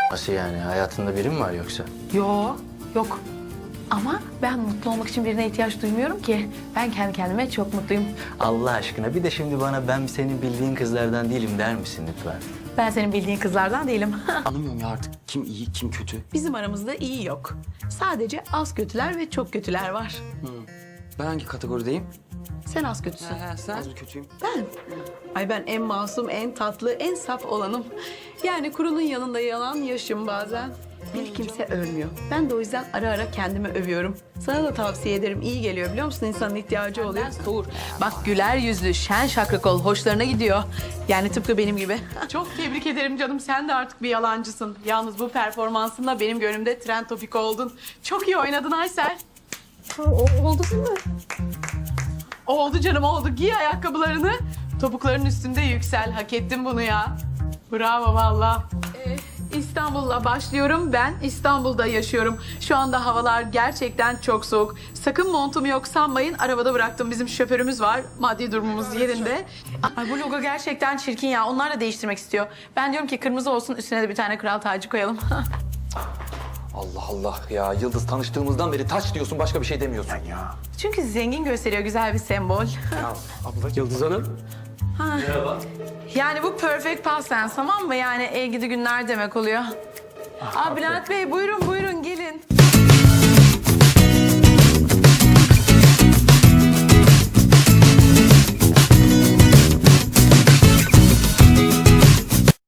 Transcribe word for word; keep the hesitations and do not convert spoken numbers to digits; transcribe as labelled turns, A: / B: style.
A: Nasıl yani? Hayatında biri mi var yoksa?
B: Yok, yok. Ama ben mutlu olmak için birine ihtiyaç duymuyorum ki. Ben kendi kendime çok mutluyum.
A: Allah aşkına bir de şimdi bana ben senin bildiğin kızlardan değilim der misin lütfen?
B: Ben senin bildiğin kızlardan değilim.
C: Anlamıyorum ya artık kim iyi kim kötü.
B: Bizim aramızda iyi yok. Sadece az kötüler ve çok kötüler var.
C: Ben hangi kategorideyim?
B: Sen az kötüsün.
C: He, sen? Az mı kötüyüm?
B: Ben? Ay ben en masum, en tatlı, en saf olanım. Yani kurunun yanında yalan yaşım bazen. Bir kimse ölmüyor. Ben de o yüzden ara ara kendimi övüyorum. Sana da tavsiye ederim. İyi geliyor biliyor musun? İnsanın ihtiyacı oluyor. Soğur. Bak güler yüzlü, şen şakrak ol. Hoşlarına gidiyor. Yani tıpkı benim gibi. Çok tebrik ederim canım. Sen de artık bir yalancısın. Yalnız bu performansınla benim gönlümde trend topik oldun. Çok iyi oynadın Aysel. Oldu değil mi? Oldu canım oldu. Giy ayakkabılarını. Topukların üstünde yüksel. Hak ettin bunu ya. Bravo valla. Ee, İstanbul'la başlıyorum. Ben İstanbul'da yaşıyorum. Şu anda havalar gerçekten çok soğuk. Sakın montum yok sanmayın. Arabada bıraktım. Bizim şoförümüz var. Maddi durumumuz yerinde. Ay bu logo gerçekten çirkin ya. Onlar da değiştirmek istiyor. Ben diyorum ki kırmızı olsun, üstüne de bir tane kral tacı koyalım.
D: Allah Allah ya Yıldız tanıştığımızdan beri taç diyorsun başka bir şey demiyorsun ya.
B: Çünkü zengin gösteriyor, güzel bir sembol.
C: Abla Yıldız Hanım.
B: Yani bu perfect past tense tamam mı? Yani el gidi günler demek oluyor. Aa, Bülent Bey buyurun buyurun gelin.